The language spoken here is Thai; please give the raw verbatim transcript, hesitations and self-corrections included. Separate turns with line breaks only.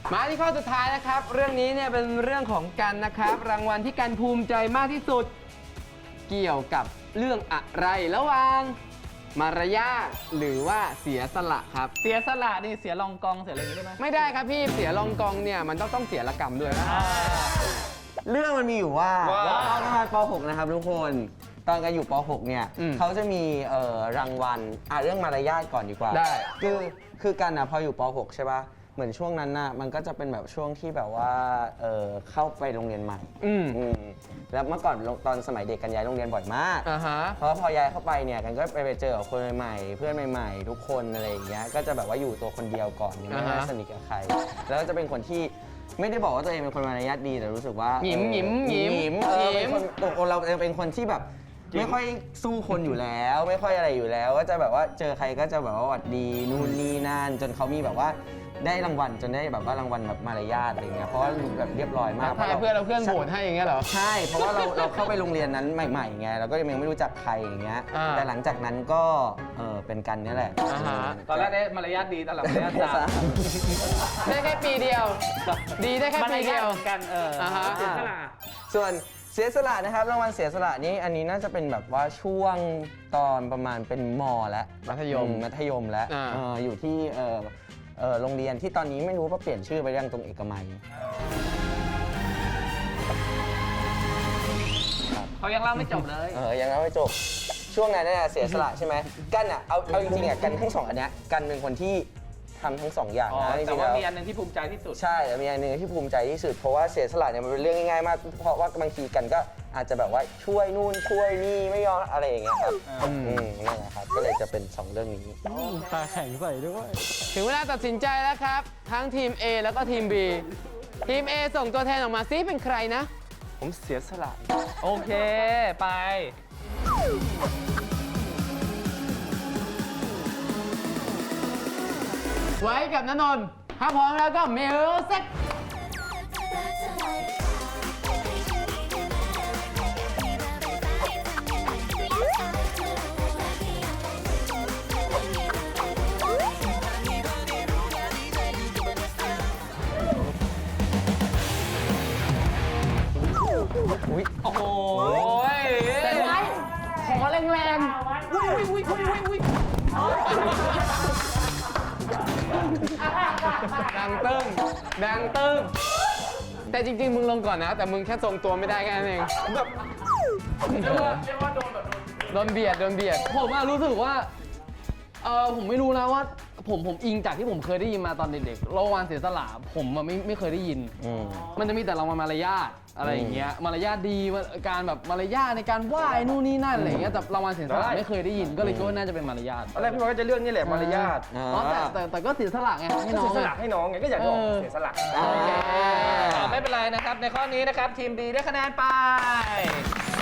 มาที่ข้อสุดท้ายนะครับเรื่องนี้เนี่ยเป็นเรื่องของกันนะครับรางวัลที่กันภูมิใจมากที่สุดเกี่ยวกับเรื่องอะไรระหว่างมารยาทหรือว่าเสียสละครับ
เสียสละนี่เสียรองกองเสียอะไรอย่างนี้ได้ไหม
ไม่ได้ครับพี่เสียรองกองเนี่ยมันต้องต้องเสียละกรรมด้วยนะ
เรื่องมันมีอยู่ว่าตอนประมาณป .หก นะครับทุกคนตอนกันอยู่ป .หก เนี่ยเขาจะมีเอ่อรางวัลอ่ะเรื่องมารยาทก่อนดีกว่า
ได้
คือคือกันอ่ะพออยู่ป .หก ใช่ป่ะเหมือนช่วงนั้นน่ะมันก็จะเป็นแบบช่วงที่แบบว่าเออเข้าไปโรงเรียนใหม่
อืม
อืมแล้วเมื่อก่อนตอนสมัยเด็กกันย้ายโรงเรียนบ่อยมาก
อ่าฮะ
เพราะพอย้ายเข้าไปเนี่ยกันก็ไปไปเจอกับคนใหม่ๆเพื่อนใหม่ๆทุกคนอะไรอย่างเงี้ยก็จะแบบว่าอยู่ตัวคนเดียวก่อนยังไม่ได้สนิทกับใครแล้วก็จะเป็นคนที่ไม่ได้บอกว่าตัวเองเป็นคนมารยาทดีแต่รู้สึกว่า
หยิมหยิมหยิม
หยิมเออเป็นคนตัวเราเป็นคนที่แบบไม่ค่อยสู้คนอยู่แล้ว ไม่ค่อยอะไรอยู่แล้วก็จะแบบว่าเจอใครก็จะแบบว่าหวัดดีนู่นนี่นั่นจนเขามีแบบว่าได้รางวัลจนได้แบบว่ารางวัลแบบมารยาทอะไรเงี้ยเพราะว่าแบบเรียบร้อยมาก
ถ้าเพื่อนเราเพื่อนโหวตให้อย่างเงี้ยเหรอ
ใช่เพราะว่าเราเราเข้าไปโรงเรียนนั้นใหม่ๆไงเราก็ยังไม่รู้จักใครอย่างเงี้ยแต่หลังจากนั้นก็เออเป็นกันนี่แหละ
ตอนแรกได้มารยาทดีตอนหลังมารยาทจาม
ได้แค่ปีเดียวดีได้แค่ปีเดียว
กันเออเสียสละ
ส่วนเสียสละนะครับรางวัลเสียสละนี้อันนี้น่าจะเป็นแบบว่าช่วงตอนประมาณเป็นม.แล้ว
มัธยม
มัธยมแล้วออยู่ที่เออเออโรงเรียนที่ตอนนี้ไม่รู้ว่าเปลี่ยนชื่อไปยังตรงเอกมัย
เขายังเล่าไม่จบเลย
เออยังเล่าไม่จบช่วงนั้นเนี่ยเสียสละใช่ไหมกันอ่ะเอาเอาจริงๆอ่ะกันทั้งสองอันเนี้ยกันเป็นคนที่ทำทั้งสองอย่างนะ
แต่ว่ามีอันนึงที่ภูมิใจที่สุด
ใช่แต่มีอันนึงที่ภูมิใจที่สุดเพราะว่าเสียสละเนี่ยมันเป็นเรื่องง่ายๆมากเพราะว่าบางทีกันก็อาจจะแบบว่าช่วยนู่นช่วยนี่ไม่ยอมอะไรอย่างเงี้ยครับอืมนั่นแหละครับก็เลยจะเป็นสองเรื่องนี้
ตาแข็งใส่ด้วย
ถึงเวลาตัดสินใจแล้วครับทั้งทีม A แล้วก็ทีม B ทีม A ส่งตัวแทนออกมาซิเป็นใครนะ
ผมเสียสละ
โอเคไป
ไว้กับณนนท์ถ้าพร้อมแล้วก็มิวสิก
อุ้ย
โอ้โห
แต่ไว้ขอแรงๆอุ้ยอุ้ยอุ้ยอุ้ยอุ้ยดังตึ้งดังตึ้งแต่จริงๆมึงลงก่อนนะแต่มึงแค่ทรงตัวไม่ได้แค่นั้นเองแบบ
เรียกว่าเรียกว่าโดนแบบ
โดนเบียดโดนเบียด
ผมอะรู้สึกว่าเออผมไม่รู้นะว่าผมผมอิงจากที่ผมเคยได้ยินมาตอนเด็กๆรางวัลเสียสละผมอะไม่ไม่เคยได้ยินมันจะมีแต่รางวัลมารยาทอะไรอย่างเงี้ยมารยาทดีการแบบมารยาทในการไหว้นู่นนี่นั่นอะไรอย่างเงี้ยแต่รางวัลเสียสละไม่เคยได้ยินก็เลยคิดว่าน่าจะเป็นมารยาท
ตอนแรกพี่บอยก็จะเลือกนี่แหละมารยาท
อ๋อแต่แต่แต่ก็เสียสละไงให้น้อง
เสียสละให้น้องไงก็อยากลองเสียสละไม่เป็นไรนะครับในข้อนี้นะครับทีมดีได้คะแนนไป